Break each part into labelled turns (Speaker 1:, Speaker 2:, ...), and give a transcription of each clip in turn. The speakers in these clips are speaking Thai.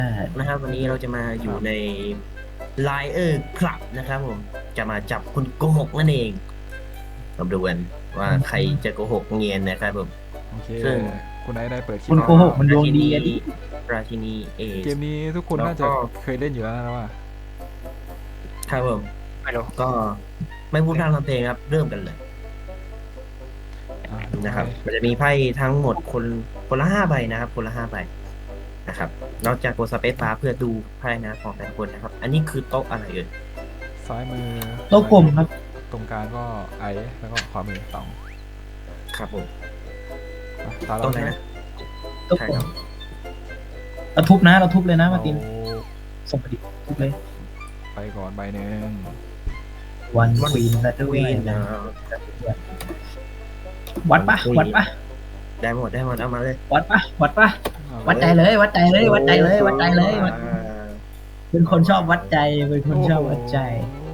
Speaker 1: นะครับวันนี้เราจะมาอยู่ใน Liar Club นะครับผมจะมาจับคนโกหกนั่นเองมาดูกันว่าใครจะโกหกเงียนนะครับผม
Speaker 2: โอเค
Speaker 1: ซึ่ง
Speaker 2: คุณไอซ์ได้เปิดคลิ
Speaker 3: คุ
Speaker 2: ป
Speaker 3: ณโกหกมันดวงดีอะดิ
Speaker 1: ราชินีเอ
Speaker 2: เกมนี้ทุกคนน่าจะเคยเล่นอยู่แล้วนะว่า
Speaker 1: ครับผม
Speaker 4: ไม่รู้
Speaker 1: ก็ไม่พูดพร่ำทำเพลงครับเริ่มกันเลย
Speaker 2: ดู
Speaker 1: นะครับ
Speaker 2: ให้
Speaker 1: มันจะมีไพ่ทั้งหมดคนละ5 ใบนะครับคนละ5 ใบนะครับเราจะกดสเปซบาร์เพื่อดูไพ่นะของแต่ละคนนะครับ อันนี้คือโต๊ะอะไรเอ่ย
Speaker 2: ซ้ายมือ
Speaker 3: โต๊ะกลมครับ
Speaker 2: ตรงกลางก็ไอซ์แล้วก็ขวามือตอง
Speaker 1: ครับผม
Speaker 2: ตา
Speaker 1: โต๊ะ
Speaker 2: เรา
Speaker 1: ไหน
Speaker 2: ใช่ไหม
Speaker 1: นะ
Speaker 3: โต๊ะ
Speaker 1: ใช่
Speaker 3: กล
Speaker 1: ครั
Speaker 3: ม
Speaker 1: บ
Speaker 3: เราทุบนะเราทุบเลยนะมา
Speaker 2: เรา
Speaker 3: ตินส่งไปดิทุบเลย
Speaker 2: ไปก่อนใบหนึ่ง
Speaker 3: วันควีนและด้ว
Speaker 1: วี
Speaker 3: ย
Speaker 1: น
Speaker 3: นะวัดปะวัดปะ
Speaker 1: ได้หมดเอามาเลย
Speaker 3: วัดปะวัดปะวัดใจเลยวัดใจเลยวัดใจเลยวัดใจเลยเป็นคนชอบวัดใจเป็นคนชอบวัดใจ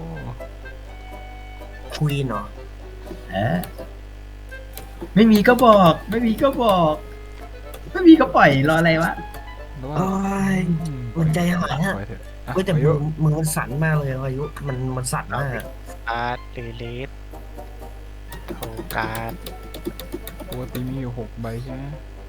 Speaker 1: ควีนเหรอ
Speaker 3: เออไม่มีก็บอกไม่มีก็บอกไม่มีก็ปล่อยรออะไรวะ
Speaker 2: แล้วว่า
Speaker 1: โอ้ย มันใจหายอะ
Speaker 2: ปล่เถอะอ่ะ
Speaker 1: ก็แต่
Speaker 2: อา
Speaker 1: มื
Speaker 2: ยุ
Speaker 1: อมันสั่นมากเลยอายุมันสั่นมาก
Speaker 4: การ์ดรีลิสโฮการ์ด
Speaker 2: ปกติมีอยู่6 ใบใช่ไหม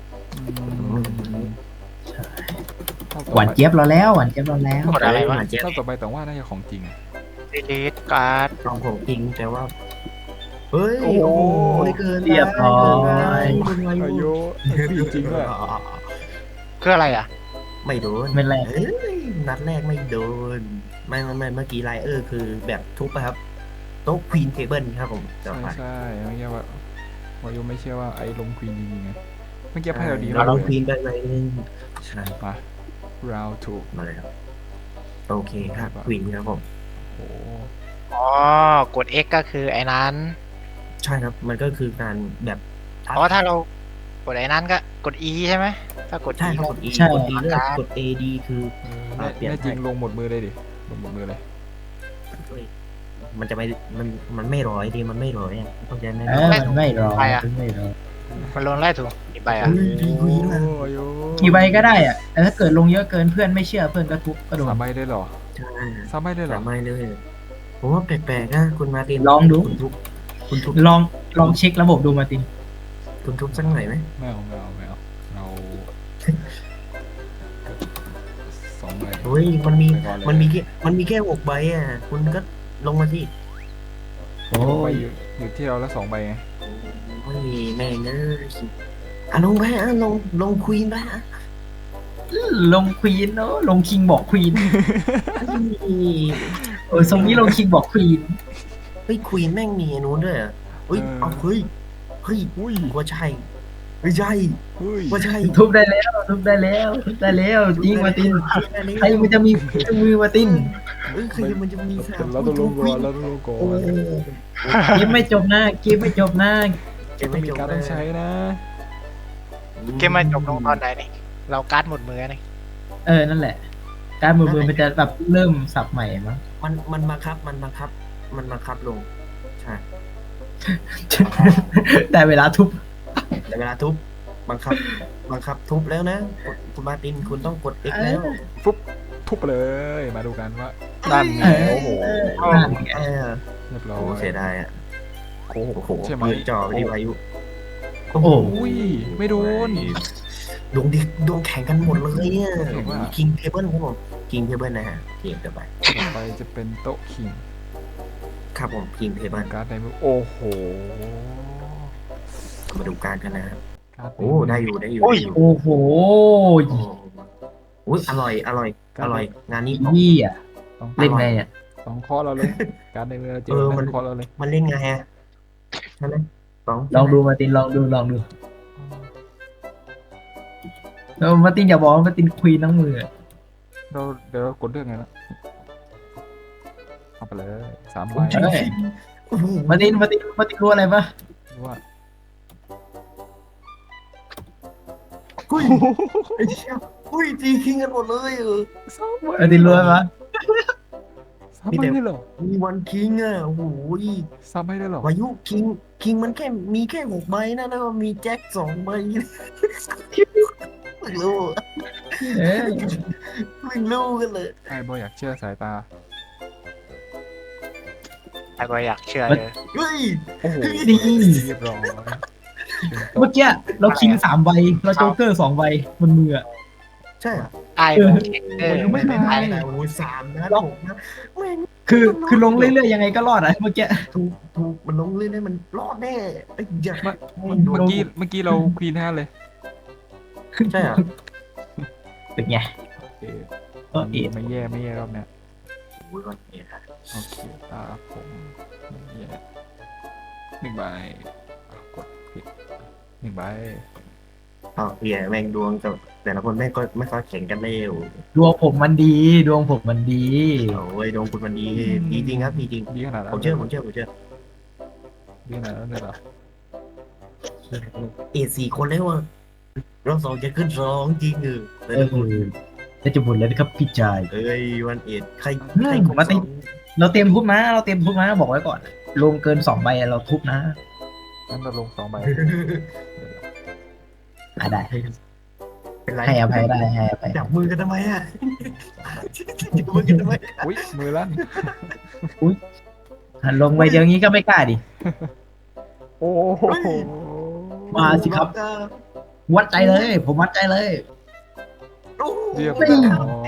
Speaker 2: รอบต่อ
Speaker 3: หวาน
Speaker 2: ไป
Speaker 3: เจี๊ยบรอแล้วหวานเจี๊ยบรอแล้ว
Speaker 4: กดอะไรวะ
Speaker 1: เจ็บ
Speaker 2: รอบต่อไปแต่ว่าน่าจะของจริงอะ
Speaker 4: รีลิสการ์ด
Speaker 1: ลองผมจริงแต่ว่าเฮ้ย
Speaker 2: โอ้โห
Speaker 1: เกิน
Speaker 3: เรียบร้อย
Speaker 2: อายุจริงด้วย
Speaker 4: คืออะไรอ่ะ
Speaker 1: ไม่โดน
Speaker 3: ไม่แรก
Speaker 1: เอ้ยนัดแรกไม่โดนไม่เมื่อกี้ไลเออร์คือแบบทุบไปครับโต๊ะควีนเทเบิลครับผมต่อ
Speaker 2: ใช่
Speaker 1: ไป
Speaker 2: ใช่เมื่อกี้ว่าวายุไม่เชื่อว่าไอ้ลงควีนจริงๆไงเมื่อกี้ไพ่เราดี
Speaker 1: เรา
Speaker 2: มาก
Speaker 1: ลอง
Speaker 2: เล
Speaker 1: ควี
Speaker 2: ย
Speaker 1: นไปเลยนึงใช่
Speaker 2: มา round 2
Speaker 1: มาเลยครับโอเคครับควีนครับผม
Speaker 2: โอ้โห
Speaker 4: อ๋อ กด X ก็คือไอ้นั้น
Speaker 1: ใช่ครับมันก็คือการแบบทับ
Speaker 4: อ๋อ ถ้าเรากดไอ้นั้นก็กด E ใช่ไหม ถ้ากด
Speaker 1: ใช่
Speaker 4: E
Speaker 1: ครับกด E
Speaker 3: ใช่
Speaker 1: กด E เลือกกด A D คือ
Speaker 2: แน่
Speaker 1: เปลี่ยน
Speaker 2: แน่จริง
Speaker 1: ให้
Speaker 2: ลงหมดมือเลยดิลงหมดมือเลย
Speaker 1: มันจะไม่มันไม่ร้อยดีมันไม่ร้อยอ่ะเข้าใจไหม
Speaker 3: เออมันไม่รอมันไม่รอ
Speaker 4: มันลงไล่ถูกกี่ใบอ่ะ
Speaker 1: เฮ้ยดีกว่าอีกนะ
Speaker 2: โอ้ย
Speaker 3: กี่ใบก็ได้อะแต่ถ้าเกิดลงเยอะเกินเพื่อนไม่เชื่อเพื่อนก็ทุบก็โดน
Speaker 2: 3 ใบได้เหรอ
Speaker 1: ใช่
Speaker 2: 3 ใบได้เหรอ
Speaker 1: สามไม่เลยผมว่าแปลกๆนะคุณมาร์ติน
Speaker 3: ลองดู
Speaker 1: คุณทุบ
Speaker 3: ลองเช็คระบบดูมาติน
Speaker 1: คุณทุบสักหน่อยไหม
Speaker 2: ไม่เอาเรา2 ใบ
Speaker 1: เฮ้ยมันมี
Speaker 2: ไปก่อนเลย
Speaker 1: มันมีแค่6 ใบอ่ะคุณก็ลงมาที่
Speaker 3: โอ้
Speaker 2: ไป
Speaker 3: ย
Speaker 2: อยู่ที่เราละ2 ใบไง
Speaker 1: โอ้ยแม่งเอ้ยอ่ะลงไปอ่ะลงควีนไปอ่ะ
Speaker 3: ลงควีนเนาะลงคิงบอกควีน
Speaker 1: เฮ้ย
Speaker 3: ทรงนี้ลงคิงบอกควีน
Speaker 1: เฮ้ยควีนแม่งมีอันนู้นด้วยอ่ะเฮ้ยเอาเฮ้ย
Speaker 2: อุ้ย
Speaker 1: ว่าใช่ไม่ใช่
Speaker 2: เฮ้ย
Speaker 1: ว่าใช่
Speaker 3: ทุบได้แล้วทุบได้แล้วทุบได้แล้วจริงมาตินใครมันจะมีมือมาติน
Speaker 1: เฮ้ยใครมันจะมีสาม
Speaker 2: เราต้องลงก่อนเราต้องลงก่อ
Speaker 1: โอ้
Speaker 2: น
Speaker 3: เกมไม่จบนะเกมไม่จบนะ
Speaker 1: เกมไม่
Speaker 2: มี
Speaker 1: จบ
Speaker 2: การต้องใช้นะ
Speaker 4: เกมมันจบลงตอนไหนนี่เราการ์ดหมดมือนี่
Speaker 3: นั่นแหละ การมือมันจะแบบเริ่มสับใหม่มั้ง
Speaker 1: มันบังคับลงใช่
Speaker 3: ได้เวลาทุบ
Speaker 1: แต่เวลาทุบบังคับทุบแล้วนะคุณมาร์ตินคุณต้องกด X แล้ว
Speaker 2: ฟุ๊บทุบไปเลยมาดูกันว่านั่นไงโอ้โห
Speaker 3: นั่นไง
Speaker 2: เรียบร้อ
Speaker 1: โอ้
Speaker 2: ย
Speaker 1: เสียดายอ่ะโอ้โห
Speaker 2: ใช่ไหม
Speaker 1: ปืนจ่อไปที่วายุ
Speaker 3: โอ้โห
Speaker 2: อุ้ยไม่โดน
Speaker 1: ดวงแข่งกันหมดเลยเนี่ย
Speaker 2: เห็นว่า
Speaker 1: คิงเทเบิลครับผมคิงเทเบิลนะฮะทีมต่อไป
Speaker 2: ต่อไปจะเป็นโต๊ะคิง
Speaker 1: ครับผมคิงเทเบิล
Speaker 2: การ์ดในมือโอ้โห
Speaker 1: มาดูการกันนะฮะ
Speaker 2: การ์ดใน
Speaker 1: โอ้
Speaker 2: มื
Speaker 1: ได้อยู่
Speaker 3: โอ้โห
Speaker 1: โอ้อุ้ยอร่อยงานนี้
Speaker 3: ยี่อ่ะ
Speaker 2: ต้อง
Speaker 3: เล่นไงอ่ะ
Speaker 2: ต้องเคอเราเลย การ์ดในมือเราเจอต้องเคอเราเลย
Speaker 1: มันเล่นไงฮะใช่ไหม
Speaker 3: ลองดูมาตินลองดูแล้วมาตินอย่าบอกว่ามาตินควีนทั้งมือ
Speaker 2: เดี๋ยวเรากดเรื่องไงนะเอาไปเลย3 ใบ
Speaker 3: เอ้ย มาตินรู้อะไรปะ
Speaker 2: ว่า
Speaker 1: อุ้ยไอ้เชี่ยอุ้ยตีคิงกันหมดเลย
Speaker 2: 3 ใบ
Speaker 3: มาตินรู้อะไรปะ
Speaker 2: 3 ใบได้เหรอ
Speaker 1: มีวันคิงอ่ะโอ้โห
Speaker 2: 3 ใบได้เหรอ
Speaker 1: วายุคิงมันแค่มีแค่6 ใบนะแล้วก็มีแจ็ค2 ใบเพิ่งรู้
Speaker 3: เออ
Speaker 1: เพิ่งรู้กันเลย
Speaker 2: ไอ้บอยอยากเชื่อสายตา
Speaker 4: ไอ้บอยอยากเชื่อเลย
Speaker 1: เฮ้ย
Speaker 2: โอ้โห
Speaker 3: นี่
Speaker 2: เรียบร้อย
Speaker 3: เมื่อกี้เราคิง3 ใบเราโจ๊กเกอร์2 ใบบนมืออะ
Speaker 1: ใช่เหรอ
Speaker 4: ไอ้บอยเช็คเออ
Speaker 2: ยังไม่
Speaker 1: ไม่
Speaker 2: ตา
Speaker 1: ได้
Speaker 2: ย
Speaker 1: แต่โอ้ย3 นะผมนะแม่ง
Speaker 3: คือลงเรื่อยๆยังไงก็รอดอะเมื่อกี้
Speaker 1: ถูกมันลงเรื่อยๆมันรอดแน่ไอ้ยักษ์
Speaker 2: เมื่อกี้เราควีน5เลย
Speaker 1: ใช่เหรอ
Speaker 3: เป็นไง
Speaker 2: โอเค
Speaker 3: เออเอ็ด
Speaker 2: ไม่แย่รอบเนี้ย
Speaker 1: โอ้ยวันนี้ครับ
Speaker 2: โอเคตาผมไม่แย่1 ใบกดผิด1 ใบ
Speaker 1: อ๋อเฮียแม่งดวงกับแต่ละคนแม่งก็ไม่ค่อยแข่งกันเร็ว
Speaker 3: ดวงผมมันดีดวงผมมันดี
Speaker 1: โอ้ยดวงคุณมันดีดีจริงครับดีจริง
Speaker 2: ดีขนาดนั้น
Speaker 1: ผมเชื่อ
Speaker 2: ดีขนาดนั้นเลยเหรอ
Speaker 1: 4 คนแล้วอะรอบ2จะขึ้น2จริงแต่
Speaker 3: เอ
Speaker 1: ละ
Speaker 3: อ
Speaker 1: คน
Speaker 3: แล้วจะบ่นแล้วนะครับพี่ชาย
Speaker 1: เอ้ยวันเอ็ดใคร
Speaker 3: อืม
Speaker 1: ใคร
Speaker 3: ผมว่าติ เราเตรียมทุบนะเราเตรียมทุบนะบอกไว้ก่อน ลงเกิน2 ใบเราทุบนะ
Speaker 2: งั้นเราลง2 ใบ
Speaker 3: ได้
Speaker 1: เป็นไร
Speaker 3: ให้อภัยได้ให้อภัย
Speaker 1: จับมือกันทำไมอะจับมือกันทำไม
Speaker 2: อุ้ยมือลั่น
Speaker 3: ลงไปเดี๋ยวนี้ก็ไม่กล้าดิ
Speaker 2: โอ้โห
Speaker 3: มาสิครับ วัดใจเลย ผมวัดใจเลย
Speaker 1: โอ้โห
Speaker 2: เรียบ
Speaker 3: ไม่
Speaker 2: ร้อย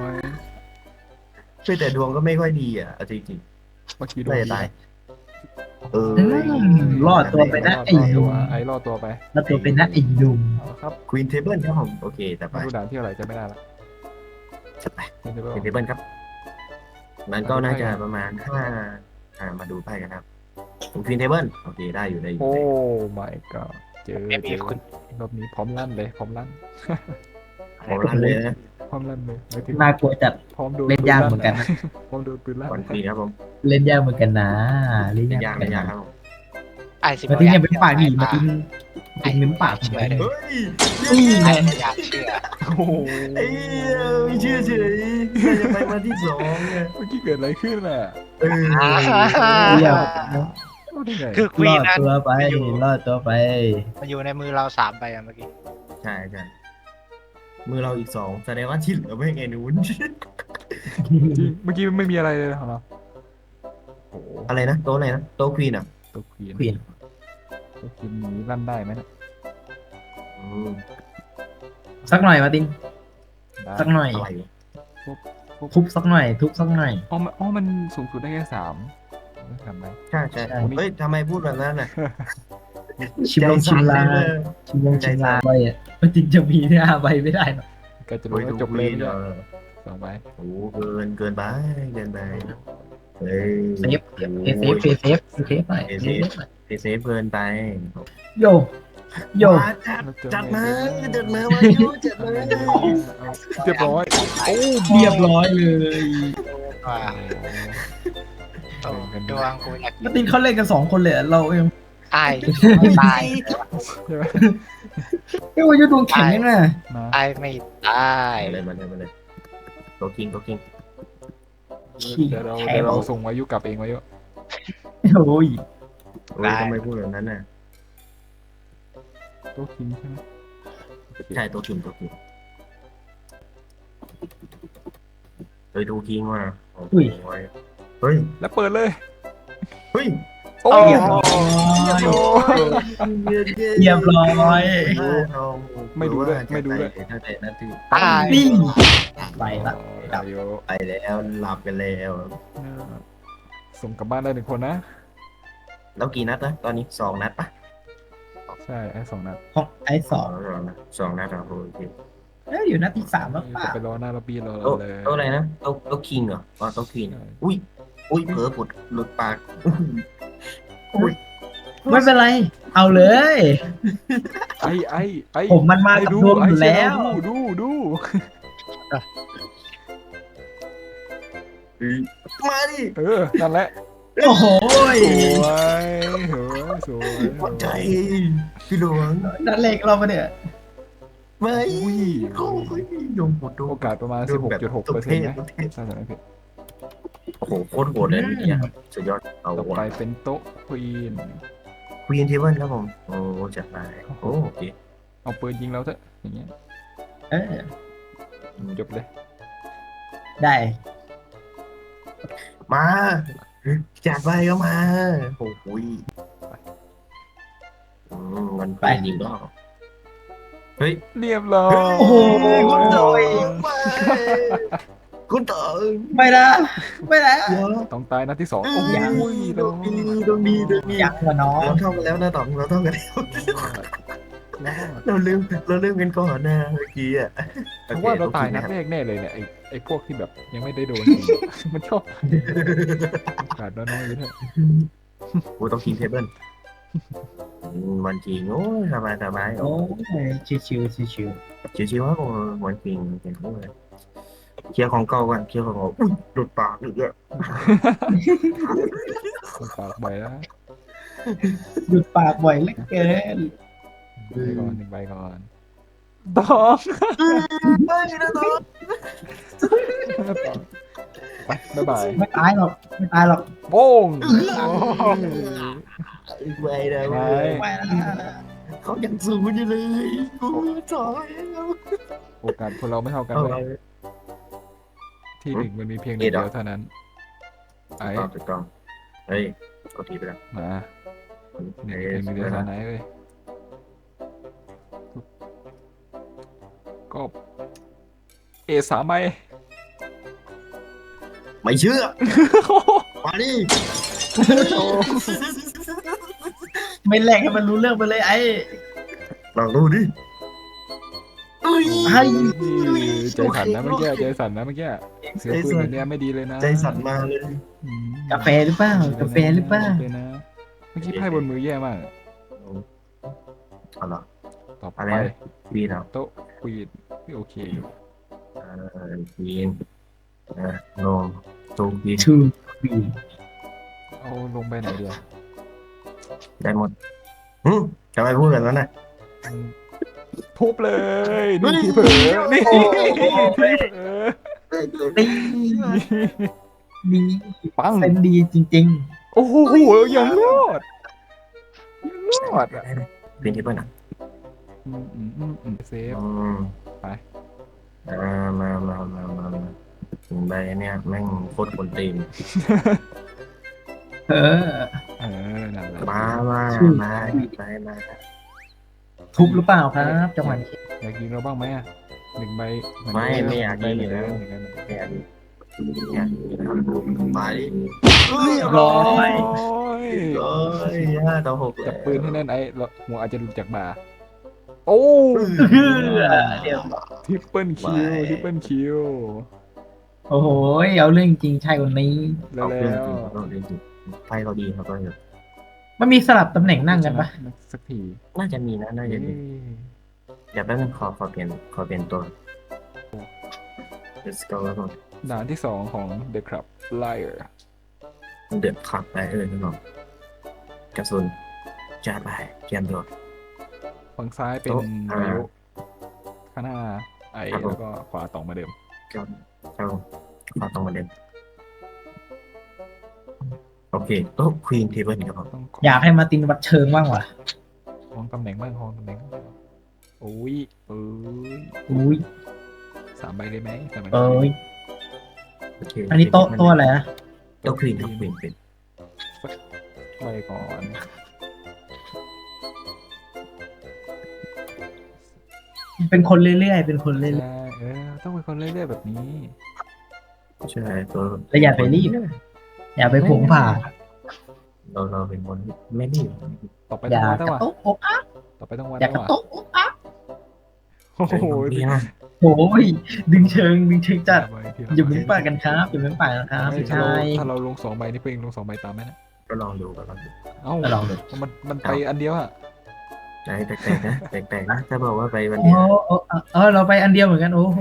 Speaker 1: แต่ดวงก็ไม่ค่อยดีอ่ะเอาจริง
Speaker 2: เมื่อกี้
Speaker 1: ๆ
Speaker 2: โด
Speaker 1: น่าน จะตายเออ
Speaker 3: รอดตัวไปนะ
Speaker 2: รอด
Speaker 3: ไอ้ห
Speaker 2: ตั
Speaker 3: นุ่
Speaker 2: ว
Speaker 3: ม
Speaker 2: ไอ้รอดตัวไป
Speaker 3: รอดตัวไปนะไอ้หนุ่ม
Speaker 2: เอาครับ
Speaker 1: ควีนเทเบิลครับผมโอเคแต่ไป
Speaker 2: ไม่รู้ด่านที่อะไรจะไม่ได้ละ
Speaker 1: จะไป
Speaker 2: ไม่รู้
Speaker 1: ควีนเทเบิลครับ มันก็น่าจะประมาณมาดูไพ่กันครับควีนเทเบิลโอเคได้อยู่ได้อยู่
Speaker 2: โอ้ my god เจอ
Speaker 4: ไม่มีคุณ
Speaker 2: รอบนี้พร้อมลั่นเลยพร้อมลั่น
Speaker 1: ผมรันเลยนะ
Speaker 2: พร้อมลั่นเลยหมายถึง
Speaker 3: น่ากลัวจัด
Speaker 2: พร้อมโดน
Speaker 3: เล่นยากเหมือนกันนะ
Speaker 2: พร้อมโดนปืนลั่น
Speaker 1: วันควีนครับผม
Speaker 3: เล่นยากเหมือนกันนะเล่น
Speaker 1: ไม่
Speaker 3: ยาก
Speaker 1: ยากไม่ยากครับผม
Speaker 4: ไอ้สิบ
Speaker 3: มาทิ้งเนี่ยเป็นปากดีมาทิ้งทิ้งเน้นปากผมไป
Speaker 1: เฮ้ย
Speaker 3: นี่ไง
Speaker 4: ไอ้อยากเชื่อ
Speaker 2: โอ้โห
Speaker 1: ไอ้ไม่เชื่อเฉยน่าจะไปมาที่2เนี่ย
Speaker 2: เมื่อกี้เกิดอะไรขึ้นอ่ะ
Speaker 1: เออ
Speaker 3: เรียบ
Speaker 2: เอาได้ไง
Speaker 4: คือควี
Speaker 3: ร
Speaker 4: น
Speaker 3: อด
Speaker 4: นั้น
Speaker 3: ตัวไปรอดตัวไป
Speaker 4: มันอยู่ในมือเรา3 ใบอะเมื่อกี้
Speaker 1: ใช่ใช่มือเราอีก2แสดงว่าที่เหลือไม่ไงนู้น
Speaker 2: จริงเมื่อกี้ไม่มีอะไรเลยเหรอโอ้โห
Speaker 1: อะไรนะโต๊ะอะไรนะโต๊ะควีนอ่ะ
Speaker 2: ตัวควีน
Speaker 3: ควีน
Speaker 2: ตัวควีนนี้ลั่นได้ไหมเนะ
Speaker 1: อืม
Speaker 3: สักหน่อยมาติน
Speaker 2: ได้
Speaker 3: สักหน่อย
Speaker 1: อะไร
Speaker 3: ทุบสักหน่อย ทุบสักหน่อย
Speaker 2: มันสูงสุดได้แค่3ทำไหม
Speaker 1: ใช่ใช่
Speaker 3: ใช่
Speaker 1: เฮ้ยทำไมพูดแบบนั้นน่ะ
Speaker 3: ชิมลงชิมลาง
Speaker 1: ใจสั่นเลย
Speaker 3: ชิมลงชิมลางไปอ่ะมาตินจะมีหน้าใบไม่ได้หรอก
Speaker 2: ก็จะ
Speaker 1: โอ้
Speaker 2: รู้
Speaker 1: ย
Speaker 2: ว่า
Speaker 1: ดู
Speaker 2: จบ
Speaker 1: ค
Speaker 2: เล
Speaker 1: วี
Speaker 2: ย
Speaker 1: น
Speaker 2: เนี่ย2 ใบ
Speaker 1: โอ้เกินไปเกินไปเฮ้ย
Speaker 3: เซฟเซฟเซฟหน่อยเซฟหน่อย
Speaker 1: เซฟเกินไป
Speaker 3: โยโย
Speaker 1: มาจัดมามายุจัดมา
Speaker 2: เรียบร้อยโอ้
Speaker 3: เรียบร้อยเลย
Speaker 4: ว่าโอ้ดวงกูอยาก
Speaker 3: มาตินเขาเล่นกัน2 คนเลยอะเราเอง
Speaker 4: ไอ้ตาย
Speaker 2: ใช่ไหม
Speaker 3: เอ้ยว่ายุดวงแข็งยังไง
Speaker 2: มา
Speaker 4: ไอ้ไม่ตาย
Speaker 1: มาเลยโตคิง
Speaker 2: เดี๋ยวเราส่งวายุกลับเองวายุ
Speaker 3: โอ้ย
Speaker 1: โอ้ยทำไมพูดแบบนั้นน่ะ
Speaker 2: ตัวคิงใช่ไหม
Speaker 1: ใช่โตคิงเฮ้ยดูคิงว่ะโอ้ยเฮ้ย
Speaker 2: แล้วเปิดเลย
Speaker 1: เฮ้ย
Speaker 2: โอ้
Speaker 3: เรียบร้อยเรียบร้อย
Speaker 2: ไม่ดูด้วย
Speaker 1: ตั้งแต่นาที
Speaker 4: ตาย
Speaker 3: นี่ไปละ
Speaker 2: วายุ
Speaker 1: ไปแล้วหลับกันแล้ว
Speaker 2: ส่งกลับบ้านได้1 คนนะ
Speaker 1: แล้วกี่นัดนะตอนนี้2 นัดปะ
Speaker 2: ใช่ไอ้2 นัด
Speaker 3: ของไอ้สอง
Speaker 1: 2 นัดโอเค
Speaker 3: อยู่นัดที่ 3แล้วเปล่า
Speaker 2: จะไปรอหน้าล็อบบี้รอ
Speaker 1: โต๊ะ
Speaker 2: เลย
Speaker 1: โต๊ะอะไรนะโต๊ะคิงเหรออ๋อโต๊ะคิงอุ้ยเผลอหลุดปาก
Speaker 3: ไม่เป็นไร เอาเลย
Speaker 2: ไอ้
Speaker 3: ผมมันมากับดวงอยู่แล้ว
Speaker 2: ดู
Speaker 1: มาดิ
Speaker 2: นั่นแหละ
Speaker 3: โอ้โห
Speaker 2: สวย
Speaker 1: หัวใจพี่หลวง
Speaker 3: นัดเล็กเรามาเนี่ย
Speaker 1: ไม่
Speaker 2: อุ้ย
Speaker 1: โอ้ยดวงหมดดวง
Speaker 2: โอกาสประมาณ 16.6%นะถ้าจำไม่ผิด
Speaker 1: โอ้โหโคตรโหดเลยเนี่ยครับสุดยอดเอา
Speaker 2: ต่อไปเป็นโต๊ะควีน
Speaker 1: ควีนเทเบิลครับผมโอ้จัดไปโอเค
Speaker 2: เอาปืนยิงเราเถอะอย่างเงี้ย
Speaker 3: เออ
Speaker 2: จบเลย
Speaker 3: ได้
Speaker 1: มาจัดไปก็มาโอ้โหยมันไปจริงก็เฮ้ย
Speaker 2: เรียบร้อย
Speaker 3: โอ้โห
Speaker 1: คุณต่อยคุณต่อย
Speaker 3: ไม่นะไม่นะ
Speaker 2: ต้องตายนัดที่สองโอ้
Speaker 3: ยัง
Speaker 2: ย
Speaker 1: ตรงนี้ตรงนี้ตรงนี้
Speaker 3: ยักษ์กว่าน้อง
Speaker 1: เราเท่ากันแล้วนะต๋องเราเท่ากันแล้วเราลืมกันก่อนนะเมื่อกี้อ่ะ
Speaker 2: เพราะว่าเราตายนัดแรกแน่เลยเนี่ยไอ้พวกที่แบบยังไม่ได้โดนจริงมันชอบขาดน้อยๆอยู่เนี่ย
Speaker 1: กูต้องกินเทเบิลมันจริงโอ้ยสบาย
Speaker 3: โอ้ยชิวชิวชิว
Speaker 1: ชิวๆว่ากูมันจริงเห็นเลยเคลียร์ของเก่าก่อนเคลียร์ของเก่าอุ้ยหลุดปากอีกอ่ะ
Speaker 2: ต้องปากใบแล้ว
Speaker 3: หยุดปากบ่อยเหลือเกิน
Speaker 2: หนึ่งใบก่อนต้อง
Speaker 1: ไม่นะต๋อง
Speaker 2: ไปบ๊ายบาย
Speaker 3: ไม่ตายหรอกไม่ตายหรอก
Speaker 2: โป้ง
Speaker 1: ไม่นะ
Speaker 2: ไป
Speaker 3: ไม่นะ
Speaker 1: เขายังสูงอยู่เลยกูถอยแล้ว
Speaker 2: โอกาสคนเราไม่เท่ากัน
Speaker 1: เอา
Speaker 2: เลยที่หนึ่งมันมีเพียงหนึ่งเดียวเท่านั้นไอ้
Speaker 1: ถูกต้องเฮ้ยกดทีไปแล้ว
Speaker 2: มาหนึ่งเพียงหนึ่งเดียวเท่านั้นเลยก็A3ใบ
Speaker 1: ไม่เชื่อมาดิ
Speaker 3: ไม่แลกให้มันรู้เรื่องไปเลยไอ้
Speaker 1: ลองดูดิเอ้ย
Speaker 3: ไอ้
Speaker 2: ใจสั่นนะเมื่อกี้ใจสั่นนะเมื่อกี้เสียงปืนแบบเนี้ยไม่ดีเลยนะ
Speaker 1: ใจสั่นมาเลย
Speaker 2: อืม
Speaker 3: กาแฟหรือเปล่ากาแฟหรือเปล่า
Speaker 2: เลยนะเมื่อกี้ไพ่บนมือแย่มาก
Speaker 1: เอาล่ะ
Speaker 2: ต่อไป
Speaker 1: อะไรนะ วีนเอา
Speaker 2: โต๊ะควีนโอเคอยู่
Speaker 1: วีนโนตูวีน
Speaker 3: ทูบี
Speaker 2: เอาลงไปไหนเดียว
Speaker 1: ได้หมดจะไปพูดกันแล้วนะ
Speaker 2: ทุบเลยนี่ที่เผลอนี่ที่เผลอ
Speaker 3: ดีดี
Speaker 2: ปัง
Speaker 3: เป็นดีจริง
Speaker 2: โอ้โหยังรอดยังรอดอ่ะ
Speaker 1: เป็นที่เปิ้ลอ่ะ
Speaker 2: เซฟ ไป
Speaker 1: มาถึงใบเนี่ยแม่งโคตรคนตีน
Speaker 3: ๆ เออ
Speaker 2: นั่นแหละ
Speaker 1: มา
Speaker 3: ทุบหรือเปล่าครับจังหวะนี้
Speaker 2: อยากยิงเราบ้างไหมอ่ะหนึ่งใบ
Speaker 1: ไม่อยากยิง
Speaker 2: เล
Speaker 1: เลย ย เนี่ยมาดิ
Speaker 3: ร้อย
Speaker 1: 5-6
Speaker 2: จับปืนให้แน่นไอ้หัวอาจจะหลุดจากบ่าโอ้
Speaker 3: เดี๋ยว
Speaker 2: ทริปเปิลคิว
Speaker 3: โอ้โหเอาเรื่องจริงใช่คนนี้
Speaker 2: แล้ว
Speaker 1: เอาเรื่องจริงเราเล่นจริงไพ่เราดีครับก็
Speaker 3: มันมีสลับตำแหน่งนั่งกันปะ
Speaker 2: สักที
Speaker 1: น่าจะมีนะน่าจะมีเดี๋ยวแป๊บนึงขอเปลี่ยนตัว let's go แล้วก่อน
Speaker 2: ด่านที่สองของ The Club Liar
Speaker 1: เดือดขับไปนั่นหรอกกระสุนจัดไปเตรียมตัว
Speaker 2: ฝั่งซ้ายเป็น
Speaker 1: โต๊ะ
Speaker 2: วายุข้างหน้าไอ
Speaker 1: ครับผม
Speaker 2: แล้วก็ขวาต่องมาเดิม
Speaker 1: เข้าขอตรงมาเด่นโอเคโต๊ะควีนเทเบิลครับผม
Speaker 2: ต้อง
Speaker 3: อยากให้มาตินวัดเชิงบ้างว่ะ
Speaker 2: ห้องตำแหน่งบ้างห้องตำแหน่งโอ้ย
Speaker 3: อุ้ย
Speaker 2: 3 ใบเลยไหม3 ใบ
Speaker 3: เอ้ย
Speaker 1: โอเค
Speaker 3: อันนี้โต๊ะตัวอะไรนะ
Speaker 1: โต๊ะควีนครับควีนเป็น
Speaker 2: ใบก่อน
Speaker 3: เป็นคนเรื่อยๆเป็นคนเรื่อย
Speaker 2: ใช่ต้องเป็นคนเรื่อยๆแบบนี้
Speaker 1: ใช่ตัว
Speaker 3: ๆแล้วอย่าไปรีบอย่าไปผงผ่า
Speaker 1: เราเป็นคนไม่รีบ
Speaker 2: ต่อไป
Speaker 3: อ
Speaker 2: ต้อย่าง
Speaker 3: ก
Speaker 2: วัดแล้ว
Speaker 3: ระ
Speaker 2: ว่ะ
Speaker 3: ตุกอกอัก
Speaker 2: ต่อไปต้องวัด
Speaker 3: อย่า
Speaker 2: แล้ว
Speaker 3: กระ
Speaker 2: ว่ะ
Speaker 3: ตุกอกอัก
Speaker 2: โอ้โห
Speaker 1: ดีนะ
Speaker 3: โอ้ยดึงเชิงจัด
Speaker 2: ใบทีละ
Speaker 3: อย่า
Speaker 2: ใบ
Speaker 3: เพิ่งปาดกันครับอย่าเพิ่งปาดนะครับ
Speaker 2: ไม่
Speaker 3: พี่
Speaker 2: ถ้า
Speaker 3: ชา
Speaker 2: เรา
Speaker 3: ย
Speaker 2: ถ้าเราลง2 ใบนี่เพื่อนลง2 ใบตามไหมนะ
Speaker 1: ก็ลองดูกัน
Speaker 2: เอ้า
Speaker 3: ลองดู
Speaker 2: มันไปอันเดียวอะ
Speaker 1: ใจแปลกๆนะแปลกๆนะถ้าบอกว่าไปวัน
Speaker 3: โอ้
Speaker 1: เดียว
Speaker 3: เออเราไปอันเดียวเหมือนกันโอ้โห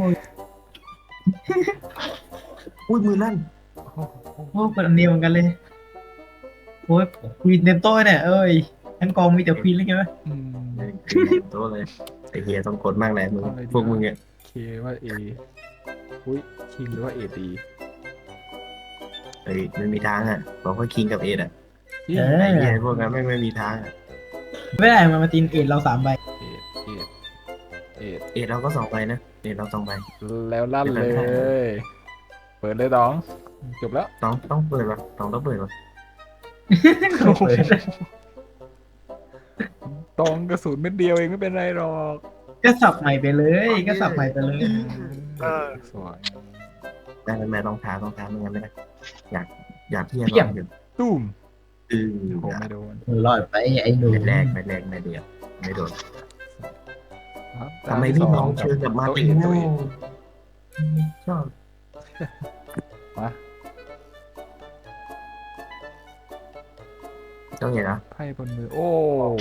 Speaker 1: อุ้ยมือลั่น
Speaker 3: โอ้เปิดอันเดียวเหมือนกันเลยโอ้ยควีนเต็มโต๊ะเนี่ยเอ้ยทั้งกองมีแต่ควีนเลยไงวะ
Speaker 2: อืม
Speaker 1: โต๊ะเลยไอเฮียต้องกดมากแหละมึงพวกมึงเนี่ย
Speaker 2: เคว่าเออุ้ยคิงหรือว่าเอตี
Speaker 1: เฮ้ยไม่มีทางอ่ะบอกว่าคิงกับเอ็ดอ่ะ
Speaker 2: จริง
Speaker 3: เอ
Speaker 1: ไอ
Speaker 3: อ
Speaker 1: เฮียพวกนั้นไม่มีทางอ่ะ
Speaker 3: ไม่ได้มาตินเอ็ดเรา3 ใบ
Speaker 2: เอ็ด
Speaker 1: เอ็ดเราก็2 ใบนะเดี๋ยวเราต้องไป
Speaker 2: แล้วลั่นเลย เปิดเลยตองจบแล้ว
Speaker 1: ต้องเปิดวะต้องเปิดวะ
Speaker 2: ตองกระสุนเม็ดเดียวเองไม่เป็นไรหรอก
Speaker 3: ก็สับใหม่ไปเลยก็สับใหม่ไปเลย
Speaker 2: สวย
Speaker 1: ได้แม่ต้องท้าไม่งั้นไม่ได้อยากที่จะลองอยู่
Speaker 2: ตุ้ม
Speaker 1: อือ
Speaker 2: โหไม่โดน
Speaker 3: รอดไปไอ้หนู
Speaker 1: ไม่แรกไม่เดียวไม่โดน
Speaker 2: ครับ
Speaker 1: ทำไมพี่น้องเชิญกับมาติน
Speaker 2: ตัวเอง
Speaker 1: ชอบ
Speaker 2: มา
Speaker 1: ต้องอย่างนะ
Speaker 2: ไพ่บนมือโอ้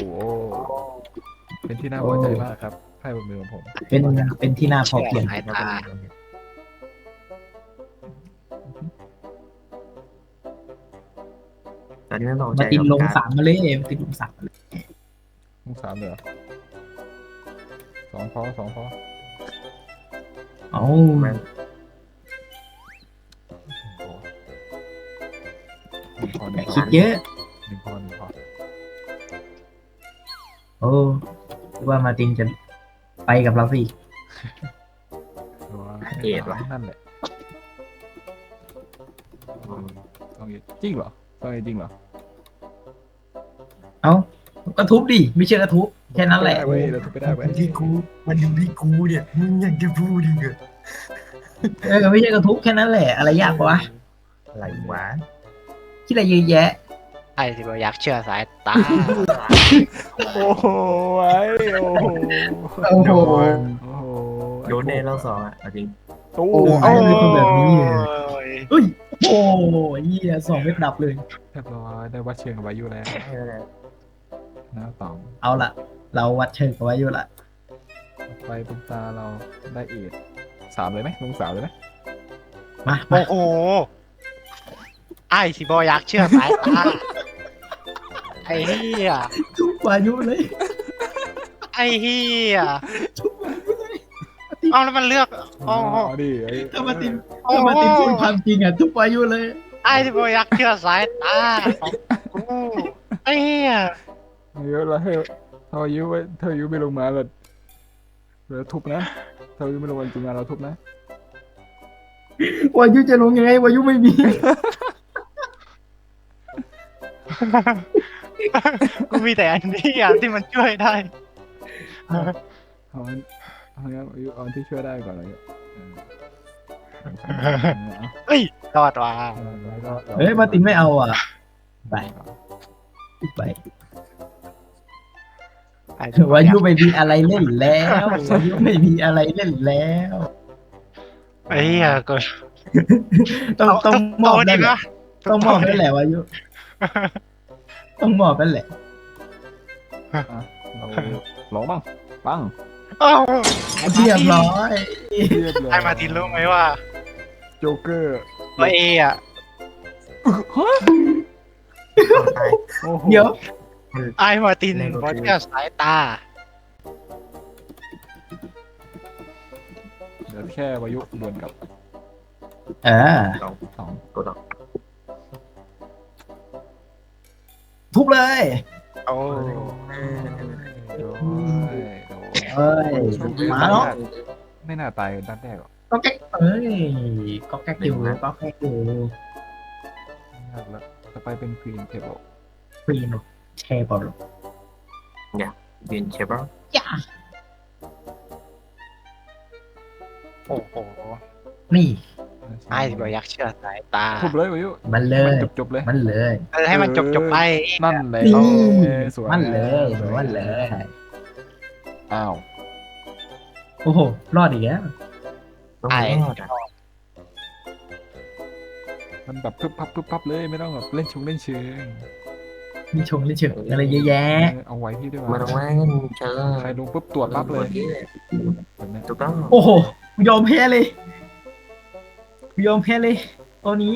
Speaker 2: เป็นที่น่าพอใจมากครับไพ่บนมือของผม
Speaker 3: เป็นที่น่าพอเพียง
Speaker 4: สายตา
Speaker 1: ตอนนี้ไม่ลองใจ
Speaker 3: มาตินลงสามมาเลยมาตินลงสามมาเลย
Speaker 2: ลูกสามเหรอสองพอ
Speaker 3: เอ้า
Speaker 2: หนึ่งพอ
Speaker 3: คิดเยอะ
Speaker 2: หนึ่งพอ
Speaker 3: โอ้ว่ามาตินจะไปกับเราสิ
Speaker 2: นั่นแหละต้องจริงเหรอต้องจริงเหรอ
Speaker 3: เอ้าก็ทุบดิไม่เชื่อก็ทุบแค่นั้นแหละ
Speaker 2: เว้ยเราทุบไม่ได้เว้ย
Speaker 1: ที่กูมันอยู่ที่กูเนี่ยมึงยังจะพูดอีกเหรอ
Speaker 3: ไม่เชื่อก็ทุบแค่นั้นแหละอะไรยากปะวะ
Speaker 1: อะไรวะ
Speaker 3: คิดอะไรเยอะแยะ
Speaker 4: ไอ้ที่บอกอยากเชื่อสายตา
Speaker 2: โอ้โหไอ้โอ้โห
Speaker 3: โอ้โห
Speaker 2: โอ้โห
Speaker 1: โดนแน่เราสองอ่ะจริง
Speaker 2: ตู้
Speaker 3: โอ้
Speaker 4: โอ้
Speaker 3: ยเป็นแบบนี้เลย
Speaker 4: ย
Speaker 3: เอ้ยโอ้ยเหี้ย2 เม็ดดับเลย
Speaker 2: เรียบร้อยได้วัดเชิงกับวายุแล้วนะตอง
Speaker 3: เอาละเราวัดเชิงกันไว้อยู่ละ
Speaker 2: ไปเป็นตาเราได้เอ็ดสามเลยไหมลงสามเลยไหม
Speaker 3: มา
Speaker 4: โอ้โหไอ้ที่บอกอยากเชื่อสายตาไอ้เหี้ย
Speaker 3: ทุบวายุเลย
Speaker 4: ไอ้เหี้ยเอาแล้วมันเลือกโอ้โห
Speaker 2: ดิไอ้
Speaker 3: ถ้ามาตินพูดความจริงอ่ะทุบวายุเลย
Speaker 4: ไอ้ที่บอกอยากเชื่อสายตาของกูไอ้เหี้ย
Speaker 2: เยอะแล้วเธอยุไว้เธอยุไม่ลงมาเลยเราทุบนะเธอยุไม่ลงมาจริงๆเราทุบนะ
Speaker 3: วายุจะลงยังไงวายุไม่มี
Speaker 4: กูมีแต่อันนี้อ่ะที่มันช่วยได้
Speaker 2: เอางั้นเอาที่ช่วยได้ก่อนเลย
Speaker 4: เฮ้ยรอดว่ะ
Speaker 3: เฮ้ยมาตินไม่เอาอ่ะไปไปวายุไม่มีอะไรเล่นแล้ววายุไม่มีอะไรเล่นแล้ว
Speaker 4: ไอ้เหี้ยก็
Speaker 3: ต้องมอบ
Speaker 4: ดี
Speaker 3: นั่นแหละ
Speaker 4: นะ
Speaker 3: ต้องมอบนั่นแหละวายุต้องมอบนั่นแหละ
Speaker 2: เราลองบ้างปัง
Speaker 4: โอ้
Speaker 3: เรียบร้อย
Speaker 4: ไอ้มาตินรู้ไหมว่า
Speaker 2: โจ๊กเกอร์
Speaker 4: ตัวเออ่ะ
Speaker 1: ตาย
Speaker 3: เดี๋ยว
Speaker 4: ไอ้มาตินบอกเชื่อสายตา
Speaker 2: เดี๋ยวแค่วายุดวลกับสอง
Speaker 1: ตัวต่อ
Speaker 3: ทุบเลย
Speaker 4: โอ้
Speaker 3: เอ้ยมาเนาะ
Speaker 2: ไม่น่าตายด้านแรกหรอก
Speaker 3: ก็แก๊กเอ้ยก็แก๊กอยู่ก็แก๊กอยู่
Speaker 2: แล้วต่อไปเป็นควีนเทเบิล
Speaker 3: ฟรีนแชร์บอล
Speaker 1: ยืนเชฟบ้าง
Speaker 3: ย่า
Speaker 4: โอ้โห
Speaker 3: นี่
Speaker 4: ไอ้บอกอยากเชื่อสายตา
Speaker 2: ทุบเลยวายุ
Speaker 3: มันเลย
Speaker 2: จบเลย
Speaker 3: มันเลย
Speaker 4: ให้มันจบไป
Speaker 2: นั่นเลย
Speaker 3: นี่
Speaker 2: สวย
Speaker 3: มันเลยมันเลย
Speaker 2: อ้าว
Speaker 3: โอ้โหรอดอีกแล้ว
Speaker 1: ต้อง
Speaker 4: ไอ้
Speaker 1: รอดอ่ะ
Speaker 2: มันแบบปึ๊บพับเลยไม่ต้องแบบเล่นเล่นเชิง
Speaker 3: มีชงเฉยอะไรเยอะแยะ
Speaker 2: เอาไว้ที่ด้วย
Speaker 1: มาตรงนั้นเชิญ
Speaker 2: ใครลงปุ๊บตรวจปั๊บเลยแบบนี้
Speaker 1: ถูกต้อง
Speaker 3: โอ้โหยอมแพ้เลยยอมแพ้เลยตัวนี้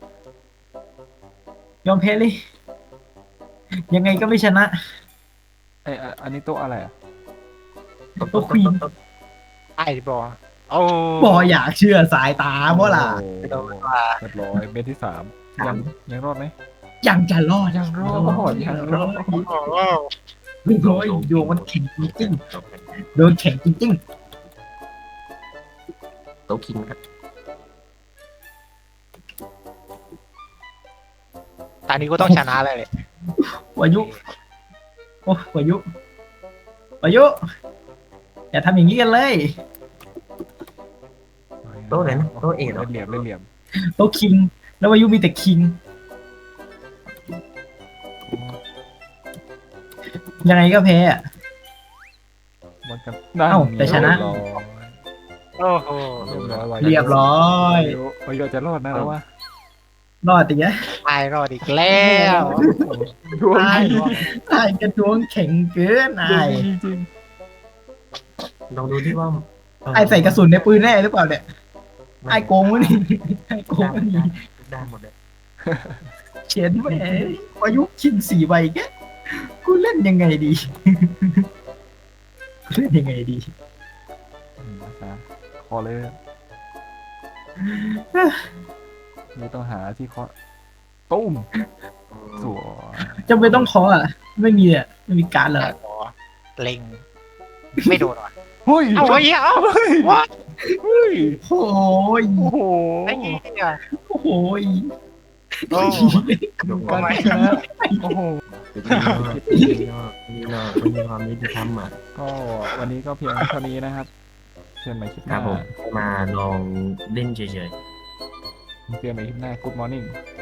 Speaker 3: ยอมแพ้เลย ยังไงก็ไม่ชนะ
Speaker 2: ไออันนี้โต๊ะอะไรอ่ะ
Speaker 3: ตัวควีน
Speaker 4: ไอ้บอกโอ้
Speaker 3: บออยากเชื่อสายตาเพราะล่ะ
Speaker 2: เรียบร้อยเม็ดที่สามยังรอดไหม
Speaker 3: ยังจะรอด
Speaker 2: ยังรอดยังรอด
Speaker 4: โห
Speaker 3: โอ้ยดวงมันแข็งจริงๆดวงแข็งจริง
Speaker 1: โต๊ะคิงครับ
Speaker 4: ตอนนี้ก็ต้องชนะเลย
Speaker 3: วายุโอ้วายุอย่าทำอย่างนี้กันเลย
Speaker 1: โต๊ะไหนนะโต๊ะเอเหรอ
Speaker 2: เล่นเหลี่ยม
Speaker 3: โต๊ะคิง แล้ววายุมีแต่คิง ยังไงก็แพ้อะ
Speaker 2: มันกัน
Speaker 3: เอ้าแต่ชนะ
Speaker 4: โอ้โห
Speaker 3: เรียบร้อย
Speaker 2: วายุจะรอดนะแล้ววะ
Speaker 3: รอดอีกแล้ว
Speaker 4: ตายรอดอีกแล้ว
Speaker 2: ดวง
Speaker 4: ตาย
Speaker 2: ดี
Speaker 4: รอด
Speaker 3: ไอ้กระดวงแข็งเกิน
Speaker 2: ดว
Speaker 3: ไอ้
Speaker 2: งดีจริง
Speaker 1: ลองดูที่ว่า
Speaker 3: ไอ้ใส่กระสุนในปืนแน่หรือเปล่าเนี่ยไอ้โกงวะนี่ไอ้โกงวะนี่
Speaker 1: ได้หมดเลย
Speaker 3: เขียนแหมวายุคิง4 ใบแกกูเล่นยังไงดี เล่นยังไงดี
Speaker 2: นะครับคอเลยนี่ต้องหาที่เคาะตุ้มสวย
Speaker 3: จำเป็นต้องเคออ่ะ ไม่มีอ่ะ ไม่มีการดเลย
Speaker 4: ตายรอเล็งไม่โดนว่ะ
Speaker 2: เฮ้ย
Speaker 4: เอาไว้เอา
Speaker 2: เฮ้ย
Speaker 4: วัด
Speaker 2: เฮ้ย
Speaker 3: โอ้ย
Speaker 2: โอ้โห
Speaker 4: ไอ้เหี้ย
Speaker 3: โอ้โห
Speaker 4: โอ้
Speaker 2: ดูการชนะโอ้โห
Speaker 1: นี่เนาะมันมีความยุติธรรมอ่ะ
Speaker 2: ก็วันนี้ก็เพียงเท่านี้นะครับเชิญใหม่คลิปห
Speaker 1: ครั
Speaker 2: น้า
Speaker 1: บผมมาลองเล่นเฉย
Speaker 2: เจอใหม่คลิปหน้า Good morning